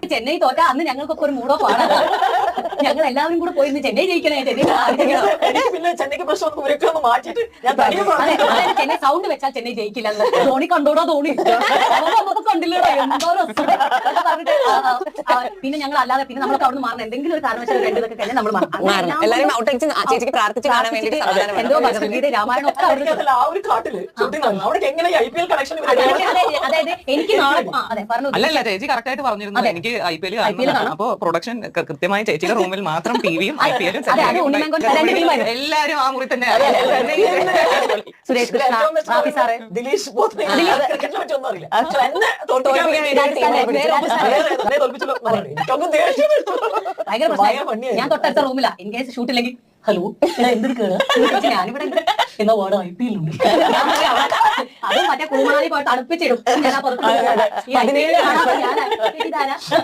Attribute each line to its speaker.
Speaker 1: ചെന്നൈ തോറ്റ അന്ന് ഞങ്ങൾക്കൊക്കെ ഒരു മൂടോ പാടാണ്. ഞങ്ങൾ എല്ലാവരും കൂടെ പോയി ചെന്നൈ ജയിക്കണേ,
Speaker 2: എനിക്ക് പിന്നെ ചെന്നൈക്ക് പ്രശ്നം ഇവരൊക്കെ ഒന്ന് മാറ്റിയിട്ട് ഞാൻ തനിയെ
Speaker 1: ചെന്നൈ സൗണ്ട് വെച്ചാൽ ചെന്നൈ ജയിക്കില്ല. ധോണി കണ്ടോടോ ധോണി കണ്ടില്ലോ എന്തോ പറഞ്ഞിട്ട് പിന്നെ ഞങ്ങൾ അല്ലാതെ പിന്നെ നമ്മളൊക്കെ അവിടെ മാറണം. എന്തെങ്കിലും ഒരു കാരണവശാൽ രണ്ടുപേർക്ക് കഴിഞ്ഞാൽ നമ്മൾ എന്തോ ഭഗവത്ഗീത രാമായണം ഒക്കെ
Speaker 2: ആ ഒരു കാട്ടില് അവിടെ എങ്ങനെ IPL കണക്ഷൻ
Speaker 1: അതായത് എനിക്ക് നാളെ അതെ പറഞ്ഞു.
Speaker 3: അല്ലല്ല ചേച്ചി കറക്റ്റ് ആയിട്ട് പറഞ്ഞിരുന്നു എനിക്ക് IPL കാണണം. അപ്പൊ പ്രൊഡക്ഷൻ കൃത്യമായി ചേച്ചിയുടെ റൂമിൽ മാത്രം ടിവിയും IPL എല്ലാരും ആ മുറി തന്നെ.
Speaker 1: സുരേഷ് കൃഷ്ണ, റാഫി സാറ്,
Speaker 2: ദിലീഷ് ഒന്നും അറിയില്ല.
Speaker 1: ഞാൻ തൊട്ടടുത്ത റൂമിലാ. ഇൻ കേസ് ഷൂട്ടില്ലെങ്കിൽ ഹലോ എന്തെടുക്കാണ് ഞാനിവിടെ എന്നാ വേർഡ് IPL ഉണ്ട്. അതും മറ്റേ കുമാരി പോയിട്ട് അടുപ്പിച്ചിടും. ഞാൻ